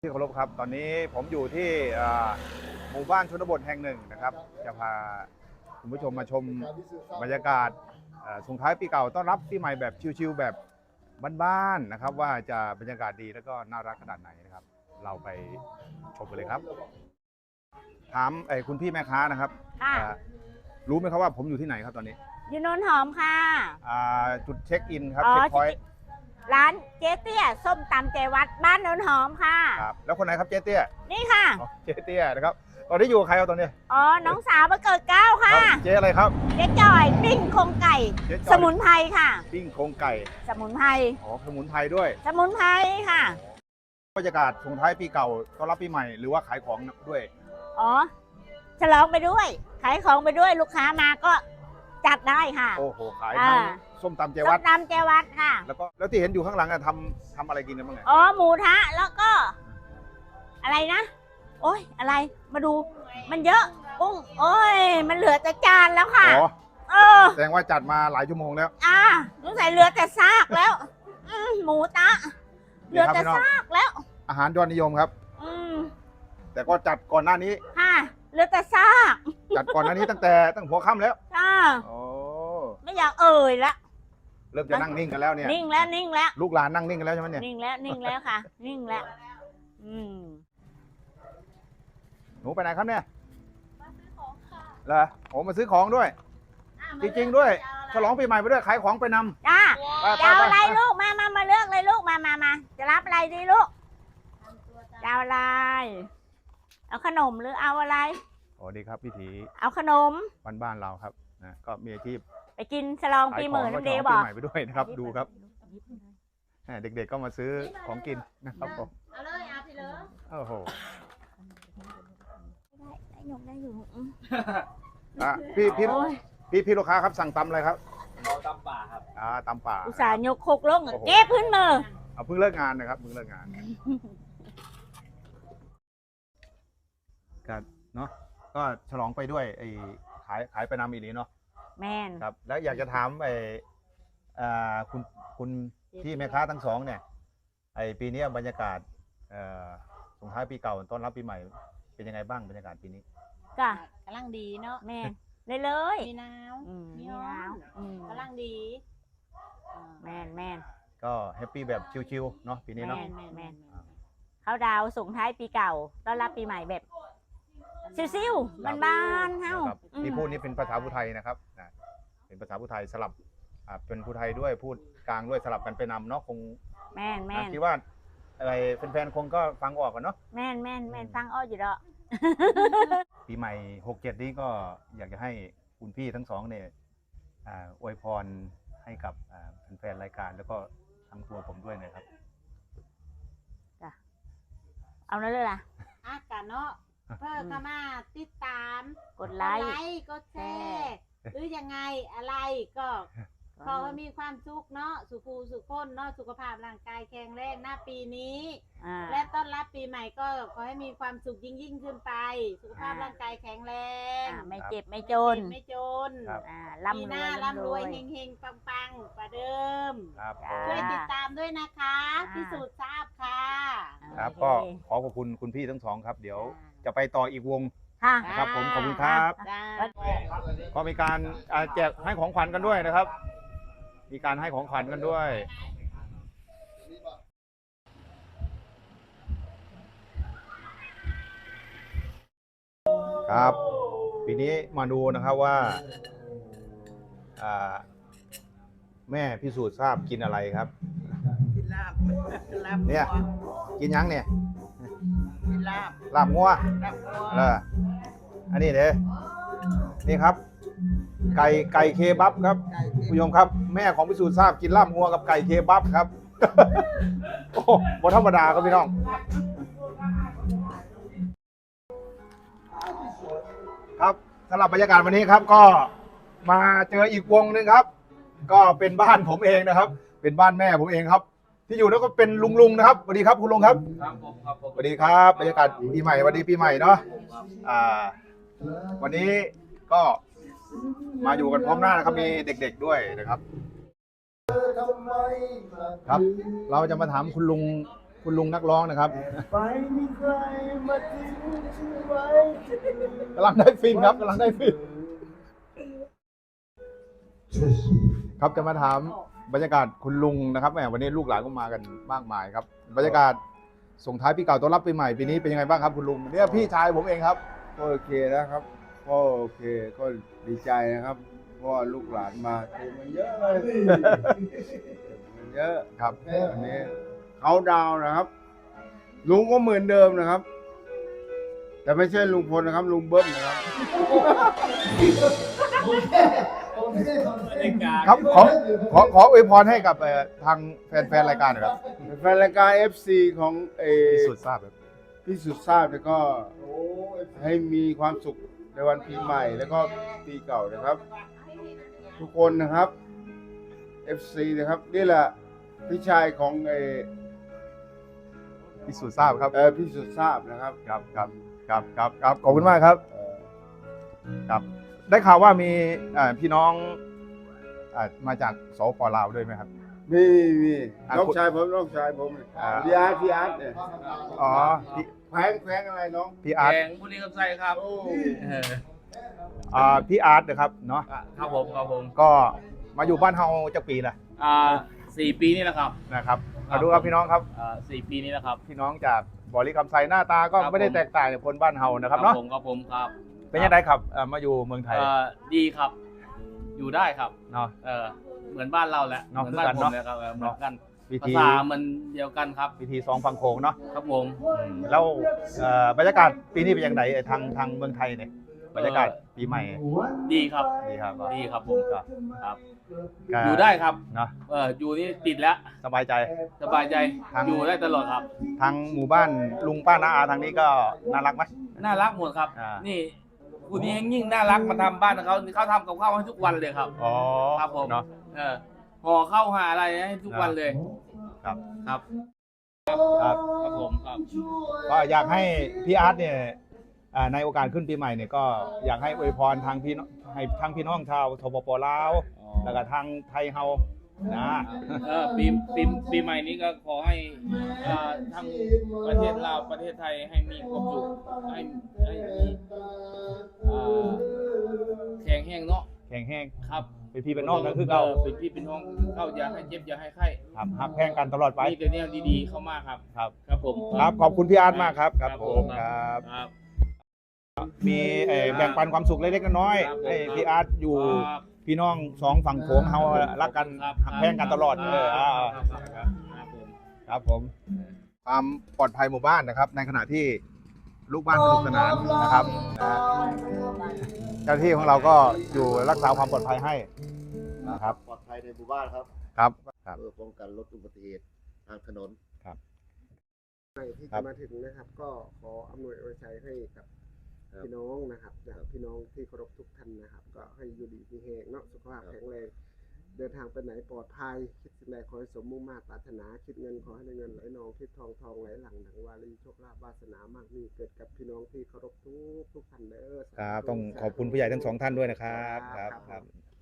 ที่เคารพครับตอนนี้ผมอยู่ที่หมู่บ้านชนบทแห่งหนึ่งนะครับจะพาคุณผู้ชมมาชมบรรยากาศส่งท้ายปีเก่าต้อนรับปีใหม่แบบชิลๆแบบบ้านๆนะครับว่าจะบรรยากาศดีแล้วก็น่ารักขนาดไหนนะครับเราไปชมกันเลยครับถามคุณพี่แม่ค้านะครับรู้ไหมครับว่าผมอยู่ที่ไหนครับตอนนี้อยู่โนนหอมค่ะจุดเช็คอินครับเช็คพอยต์ร้านเจ๊เตี้ยส้มตำเจวัดบ้านโนนหอมค่ะครับแล้วคนไหนครับเจ๊เตี้ยนี่ค่ะเจ๊เตี้ยนะครับตอนนี้อยู่กับใครครับตอนนี้น้องสาวมาเกิดเก้าค่ะเจ๊อะไรครับเจ๊จอยปิ้งโครงไก่สมุนไพรค่ะปิ้งโครงไก่สมุนไพรสมุนไพรด้วยสมุนไพรค่ะบรรยากาศส่งท้ายปีเก่าต้อนรับปีใหม่หรือว่าขายของด้วยฉลองไปด้วยขายของไปด้วยลูกค้ามาก็จัดได้ค่ะโอ้โหขายทั้งส้มตำเจวัดส้มตำเจวัดค่ะแล้วที่เห็นอยู่ข้างหลังทำอะไรกินกันบ้างไงหมูทะแล้วก็อะไรนะโอ้ยอะไรมาดูมันเยอะกุ้งโอ้ยมันเหลือแต่จานแล้วค่ะแสดงว่าจัดมาหลายชั่วโมงแล้วสงสัยเหลือแต่ซากแล้วหมูตะเหลือแต่ซากแล้วอาหารยอดนิยมครับแต่ก็จัดก่อนหน้านี้ค่ะเหลือแต่ซากจัดก่อนหน้านี้ตั้งหัวค่ำแล้วไม่อยากเอ่ยละเริ่มจะนั่งนิ่งกันแล้วเนี่ยนิ่งแล้วลูกหลานนั่งนิ่งกันแล้วใช่ไหมเนี่ยนิ่งแล้วค่ะนิ่งแล้วหนูไปไหนครับเนี่ยมาซื้อของค่ะเหรอมาซื้อของด้วยจริงๆด้วยฉลองปีใหม่ไปด้วยขายของไปนำจะเอาอะไรลูกมาเลือกเลยลูกมาจะรับอะไรดีลูกจะเอาอะไรเอาขนมหรือเอาอะไรดีครับพิธีเอาขนมบ้านเราครับนะก็มีอาชีพไปกินฉลองปีใหม่น้ำเดย์บอกปีใหม่ไปด้วยนะครับดูครับเด็กๆก็มาซื้อของกินนะครับผมเอาเลยเอาไปเลยโอ้โหได้อยู่พี่ลูกค้าครับสั่งตำอะไรครับเราตำป่าครับตำป่าอุตส่าห์ยกคกลงเก็บพื้นมือเพิ่งเลิกงานนะครับเพิ่งเลิกงานก็เนาะก็ฉลองไปด้วยขายไปนำอีนี้เนาะแม่นครับแล้วอยากจะถามคุณพี่แม่ค้าทั้งสองเนี่ยปีนี้บรรยากาศส่งท้ายปีเก่าต้อนรับปีใหม่เป็นยังไงบ้างบรรยากาศปีนี้จ้ะกำลังดีเนาะแม่เลยมีน้ำมีน้ำกำลังดีแม่นก็แฮปปี้แบบชิวๆเนาะปีนี้เนาะแม่นเขาดาวส่งท้ายปีเก่าต้อนรับปีใหม่แบบซิวๆบ้านๆเฮาที่พูดนี้เป็นภาษาพูไทยนะครับเป็นภาษาพูไทยสลับเป็นพูไทยด้วยพูดกลางด้วยสลับกันไปนำเนาะคงแม่นคิดว่าอะไรแฟนๆคงก็ฟังออกกันเนาะแม่นฟังออกอยู่ดอกปีใหม่67นี้ก็อยากจะให้คุณพี่ทั้งสองเนี่ยอวยพรให้กับแฟนๆรายการแล้วก็ทั้งตัวผมด้วยนะครับจ้ะเอานั่นเลยล่ะกันเนาะเพื่อเข้ามาติดตามกดไลค์กดแชร์หรือยังไงอะไรก็ขอให้มีความสุขเนาะสุขคนเนาะสุขภาพร่างกายแข็งแรงหน้าปีนี้และต้อนรับปีใหม่ก็ขอให้มีความสุขยิ่งขึ้นไปสุขภาพร่างกายแข็งแรงไม่เจ็บไม่จนปีหน้าร่ำรวยเฮงๆปังๆกว่าเดิมช่วยติดตามด้วยนะคะพิสูจน์ทราบค่ะครับก็ขอบคุณคุณพี่ทั้งสองครับเดี๋ยวจะไปต่ออีกวงนะครับผมขอบคุณครับก็มีการแจกให้ของขวัญกันด้วยนะครับมีการให้ของขวัญกันด้วยครับปีนี้มาดูนะครับว่าแม่พิสูจน์ทราบกินอะไรครับกินลาบเนี่ยกินยังเนี่ยกินลาบงัวอันนี้เด้นี่ครับไก่เคบับครับผู้ชมครับแม่ของพิสูจน์ทราบกินลาบงัวกับไก่เคบับครับโอ้บ่ธรรมดาครับพี่น้องครับสำหรับบรรยากาศวันนี้ครับก็มาเจออีกวงนึงครับก็เป็นบ้านผมเองนะครับเป็นบ้านแม่ผมเองครับที่อยู่แล้วก็เป็นลุงนะครับสวัสดีครับคุณลุงครับสวัสดีครับบรรยากาศปีใหม่วันดีปีใหม่เนาะวันนี้ก็มาอยู่กันพร้อมหน้านะครับมีเด็กๆด้วยนะครับครับเราจะมาถามคุณลุงคุณลุงนักร้องนะครับไปมีใครมาทิ้งฉันไว้กำลังได้ฟินครับกำลังได้ฟินครับจะมาถามบรรยากาศคุณลุงนะครับแหมวันนี้ลูกหลานก็มากันมากมายครับบรรยากาศส่งท้ายปีเก่าต้อนรับปีใหม่ปีนี้เป็นยังไงบ้างครับคุณลุงเนี่ยพี่ชายผมเองครับก็โอเคนะครับก็โอเคก็ดีใจนะครับเพราะว่าลูกหลานมาเต็มมันเยอะเลยมันเยอะครับวันนี้เขาดาวน์นะครับ ลุงก็เหมือนเดิมนะครับ แต่ไม่ใช่ลุงพลนะครับ ลุงเบิ้มนะครับครับขออวยพรให้กับทางแฟนรายการหน่อยครับแฟนรายการ FC ของที่สุดทราบครับพี่สุดทราบแล้วก็ให้มีความสุขในวันปีใหม่แล้วก็ปีเก่านะครับ ทุกคนนะครับ FC นะครับนี่แหละพี่ชายของที่สุดทราบครับพี่สุดทราบนะครับครับขอบคุณมากครับ ครับ ได้ข่าวว่ามีพี่น้องมาจากสปลาวด้วยไหมครับมีอ่ะน้องชายผมอ่าพี่อาร์ตเนี่ยอ๋อพี่แขวงอะไรน้องพี่อาร์ตแกงบุรีคำไซครับโอ้พี่อาร์ตนะครับเนาะครับผมก็มาอยู่บ้านเฮาจะปีละ 4 ปีนี่แหละครับนะครับมาดูครับพี่น้องครับ 4 ปีนี่แหละครับพี่น้องจากบริคำไซหน้าตาก็ครับไม่ได้แตกต่างจากคนบ้านเฮานะครับเนาะผมครับเป็นยังไงครับมาอยู่เมืองไทยดีครับ อยู่ได้ครับเนาะเหมือนบ้านเราแหละเนาะเหมือนบ้านเหมืผอนกันมเลยครับเหมือนกันวิภาธีษามันเดียวกันครับวิธีสองฝั่งโขงเนาะครับผมแล้วบรรยากาศปีนี้เป็นยังไงทางเมืองไทยเนี่ยบรรยากาศปีใหม่ดีครับดีครับดีครับผมครับก็อยู่ได้ครับเนาะอยู่นี่ติดแล้วสบายใจสบายใจทางอยู่ได้ตลอดครับทางหมู่บ้านลุงป้าน้าอาทางนี้ก็น่ารักไหมน่ารักหมดครับอ่านี่คุณนี้ยิ่งน่ารักมาทำบ้านเขาทำกับข้าวให้ทุกวันเลยครับอ๋อครับผมเนาะห่อข้าวหาอะไรให้ทุกวันเลยครับครับครับครับผมครับก็อยากให้พี่อาร์ตเนี่ยในโอกาสขึ้นปีใหม่เนี่ยก็อยากให้อวยพรทางพี่น้องให้ทางพี่น้องชาวทปปลาวแล้วก็ทางไทยเฮานะปีใหม่นี้ก็ขอให้ทั้งประเทศลาวประเทศไทยให้มีความสุขให้มีแข็งแห้งเนาะแข็งแห้งครับเป็นพี่เป็นน้องกันคือเก่าเป็นพี่เป็นน้องเข้าอย่าให้เจ็บอย่าให้ไข้ครับหักแพงกันตลอดไปมีแต่แนวดีๆเข้ามาครับครับครับผมครับขอบคุณพี่อาร์ตมากครับครับครับผผมมครับครับมีแบ่งปันความสุขเล็กๆน้อยครับๆให้พี่อาร์ตอยู่ครับพี่น้องสองฝั่งโขงเฮารักกันครับหักแพงกันตลอดครับผมความปลอดภัยหมู่บ้านนะครับ ในขณะที่ลูกบ้านสนุกสนานนะครับเจ้าหน้าที่ของเราก็อยู่รักษาความปลอดภัยให้นะครับปลอดภัยในหมู่บ้านครับครับเพื่อป้องกันลดอุบัติเหตุทางถนนที่จะมาถึงนะครับ ก็ขออำนวยอวยชัยให้กับพี่น้องนะครับจากพี่น้องที่เคารพทุกท่านนะครับ ก็ให้อยู่ดีมีแรงเนาะสุขภาพแข็งแรงเดินทางไปไหนปลอดภัยคิดสิ่งใดขอให้สมมุ่งมาตรปรารถนาคิดเงินขอให้ได้เงินไหลนองคิดทองไหลหลังดังวารีโชคลาภวาสนามากมีเกิดกับพี่น้องที่เคารพทุกท่านเด้อครับต้องขอบคุณผู้ใหญ่ทั้งสองท่านด้วยนะครับครับ